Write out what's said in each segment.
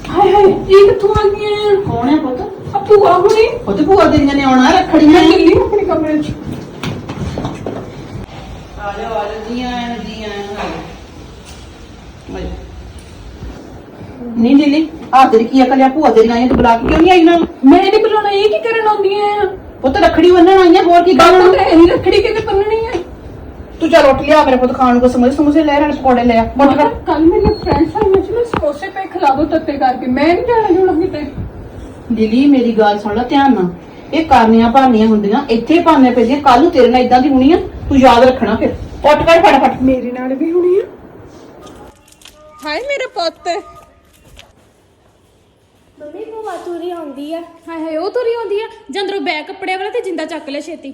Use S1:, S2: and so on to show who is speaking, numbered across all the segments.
S1: ਹਾਏ ਹਾਏ ਇਹ ਕਿੱਥੋਂ ਆ ਗਈਆਂ?
S2: ਕੌਣ ਹੈ ਪੁੱਤ?
S1: ਆ ਭੂਆ ਹੁਣੀ।
S2: ਪੁੱਤ ਭੂਆ ਤੇਰੀਆਂ ਨੇ ਆਉਣਾ ਰੱਖੜੀਆਂ।
S1: ਮੈਂ ਚੱਲੀ ਆਪਣੇ ਕਮਰੇ 'ਚ।
S2: ਆ ਜਾਓ ਜੀ ਆਇਆਂ ਨਹੀਂ ਲੀਲੀ ਆ ਤੇਰੀ ਕੀ ਅਕਲ ਆ? ਭੂਆ ਤੇਰੀਆਂ ਆਈਆਂ ਤੂੰ ਬੁਲਾ ਕੇ ਕਿਉਂ ਨਹੀਂ ਆਈ ਨਾ?
S1: ਮੈਂ ਨਹੀਂ ਬੁਲਾਉਣਾ, ਇਹ ਕੀ ਕਰਨ ਆਉਂਦੀਆਂ ਆ?
S2: ਪੁੱਤ ਰੱਖੜੀ ਬੰਨਣ ਆਈਆਂ, ਹੋਰ ਕੀ
S1: ਗੱਲ
S2: ਕਰਨਾ?
S1: ਤਾਂ ਇਹ ਰੱਖੜੀ ਕਿਤੇ ਬੰਨਣੀ ਹੈ।
S2: ਤੂੰ ਚੱਲ ਰੋਟੀ ਲਿਆ ਮੇਰੇ ਪੁੱਤ ਖਾਣ ਨੂੰ। ਕੋ ਸਮੋਸੇ ਲੈ ਰਹੇ ਪਕੌੜੇ ਲੈ ਆ। ਉੱਠ ਕਰ।
S1: ਕੱਲ ਮੇਰੇ ਫਰੈਂਡਸ ਆਏ, ਮੈਂ ਸਮੋਸੇ ਪੇ ਖਿਲਾ ਦੋ ਤੱਤੇ ਕਰਕੇ। ਮੈਂ ਨਹੀਂ ਜਾਣਾ ਜੁਣਾ ਕਿਤੇ।
S2: ਲੀਲੀ ਮੇਰੀ ਗੱਲ ਸੁਣ ਲੈ ਧਿਆਨ ਨਾਲ। ਇਹ ਕਰਨੀਆਂ ਭਾਨੀਆਂ ਹੁੰਦੀਆਂ, ਇੱਥੇ ਭਾਨੀਆਂ ਪੈਂਦੀਆਂ। ਕੱਲ ਨੂੰ ਤੇਰੇ ਨਾਲ ਇਦਾਂ ਦੀ ਹੋਣੀ ਆ, ਤੂੰ ਯਾਦ ਰੱਖਣਾ। ਫਿਰ ਉੱਠ ਕਰ ਫਟਾਫਟ।
S1: ਮੇਰੇ ਨਾਲ ਵੀ ਹੋਣੀ ਆ। ਹਾਏ ਮੇਰਾ ਪੁੱਤ।
S3: ਮੰਮੀ ਭੂਆ ਤੁਰੀ ਆਉਂਦੀ ਆ।
S4: ਹਾਏ ਹਾਏ ਉਹ ਤੁਰੀ ਆਉਂਦੀ ਆ। ਜੰਦਰੋਂ ਬੈਗ ਕੱਪੜਿਆਂ ਵਾਲਾ ਤੇ ਜਿੰਦਾ ਚੱਕ ਲੈ ਛੇਤੀ।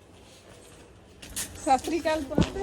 S1: ਸਤਿ ਸ੍ਰੀ ਅਕਾਲ ਪੁੱਤ।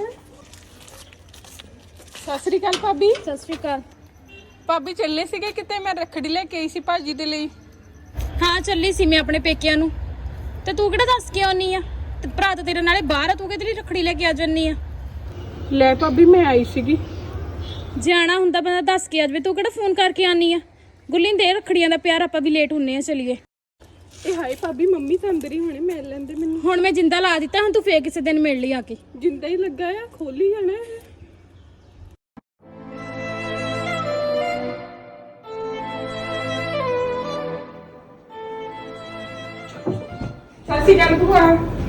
S1: ਸਤਿ ਸ੍ਰੀ ਅਕਾਲ ਭਾਬੀ।
S4: ਸਤਿ ਸ਼੍ਰੀ ਅਕਾਲ।
S1: ਭਾਬੀ ਚੱਲੇ ਸੀਗੇ ਕਿਤੇ, ਮੈਂ ਰੱਖੜੀ ਲੈ ਕੇ ਆਈ ਸੀ ਭਾਜੀ ਦੇ ਲਈ।
S4: ਹਾਂ ਚੱਲੀ ਸੀ ਮੈਂ ਆਪਣੇ ਪੇਕਿਆਂ ਨੂੰ। ਤੇ ਤੂੰ ਕਿਹੜਾ ਦੱਸ ਕੇ ਆਉਣੀ ਆ? ਤੇ ਭਰਾ ਤਾਂ ਤੇਰੇ ਨਾਲੇ ਬਾਹਰ ਆ, ਤੂੰ ਕਿਹਦੇ ਲਈ ਰੱਖੜੀ ਲੈ ਕੇ ਆ ਜੰਨੀ ਆ?
S1: ਲੈ ਭਾਬੀ ਮੈਂ ਆਈ ਸੀਗੀ।
S4: ਜੇ ਆਣਾ ਹੁੰਦਾ ਬੰਦਾ ਦੱਸ ਕੇ ਆ ਜਾਵੇ, ਤੂੰ ਕਿਹੜਾ ਫੋਨ ਕਰਕੇ ਆਨੀ ਆ? ਗੁੱਲੀ ਦੇ ਰੱਖੜੀਆਂ ਦਾ ਪਿਆਰ, ਆਪਾਂ ਵੀ ਲੇਟ ਹੁੰਨੇ ਆ। ਚਲੀਏ।
S1: ਇਹ ਹਾਏ ਭਾਬੀ ਮੰਮੀ ਤਾਂ ਅੰਦਰ ਹੀ ਹੋਣੇ, ਮਿਲ ਲੈਂਦੇ ਮੈਨੂੰ।
S4: ਹੁਣ ਮੈਂ ਜਿੰਦਾ ਲਾ ਦਿੱਤਾ, ਹੁਣ ਤੂੰ ਫੇਰ ਕਿਸੇ ਦਿਨ ਮਿਲ ਲਈ ਆ ਕੇ।
S1: ਜਿੰਦਾ ਹੀ ਲੱਗਾ ਆ, ਖੋਲੀ ਜਾਣਾ ਇਹ। ਸਤਿ ਸ਼੍ਰੀ ਅਕਾਲ ਭੂਆ।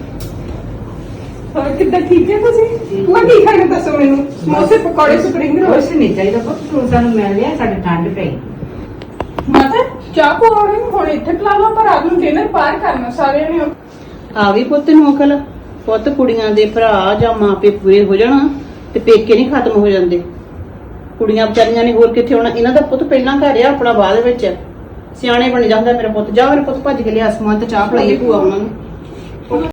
S1: ਹੋਰ ਕਿੱਦਾਂ, ਠੀਕ ਹੈ ਤੁਸੀਂ? ਭੂਆ ਕੀ ਖਾਣਾ ਦੱਸੋ ਮੈਨੂੰ? ਸਮੋਸੇ ਪਕੌੜੇ ਸਪਰਿੰਗ ਰੋਲ।
S2: ਕੁਛ ਨਹੀਂ ਚਾਹੀਦਾ ਪੁੱਤ, ਤੂੰ ਸਾਨੂੰ ਮਿਲ ਲਿਆ, ਸਾਡੇ ਠੰਡ ਪਈ।
S1: ਮਾਤਾ ਚਾਹ ਪਕੌੜੇ ਹੁਣ ਇੱਥੇ ਪਿਲਾ ਲਓ, ਪਰ ਰਾਤ ਨੂੰ ਡਿਨਰ ਬਾਹਰ ਕਰਨਾ ਸਾਰਿਆਂ ਨੇ।
S2: ਆ ਵੀ ਪੁੱਤ ਨੂੰ ਅਕਲ। ਪੁੱਤ ਕੁੜੀਆਂ ਦੇ ਭਰਾ ਜਾਂ ਮਾਪੇ ਪੂਰੇ ਹੋ ਜਾਣਾ ਤੇ ਪੇਕੇ ਨਹੀਂ ਖਤਮ ਹੋ ਜਾਂਦੇ। ਕੁੜੀਆਂ ਵਿਚਾਰੀਆਂ ਨੇ ਹੋਰ ਕਿੱਥੇ ਹੋਣਾ? ਇਹਨਾਂ ਦਾ ਪੁੱਤ ਪਹਿਲਾਂ ਘਰ ਆ, ਆਪਣਾ ਬਾਅਦ ਵਿੱਚ। ਸਿਆਣੇ ਬਣ ਜਾਂਦਾ ਮੇਰਾ ਪੁੱਤ। ਜਾ ਮੇਰੇ ਪੁੱਤ ਭੱਜ ਕੇ ਲਿਆ ਸਮਾਨ ਤੇ ਚਾਹ ਪਲਾਈਏ ਭੂਆ ਉਹਨਾਂ ਨੂੰ।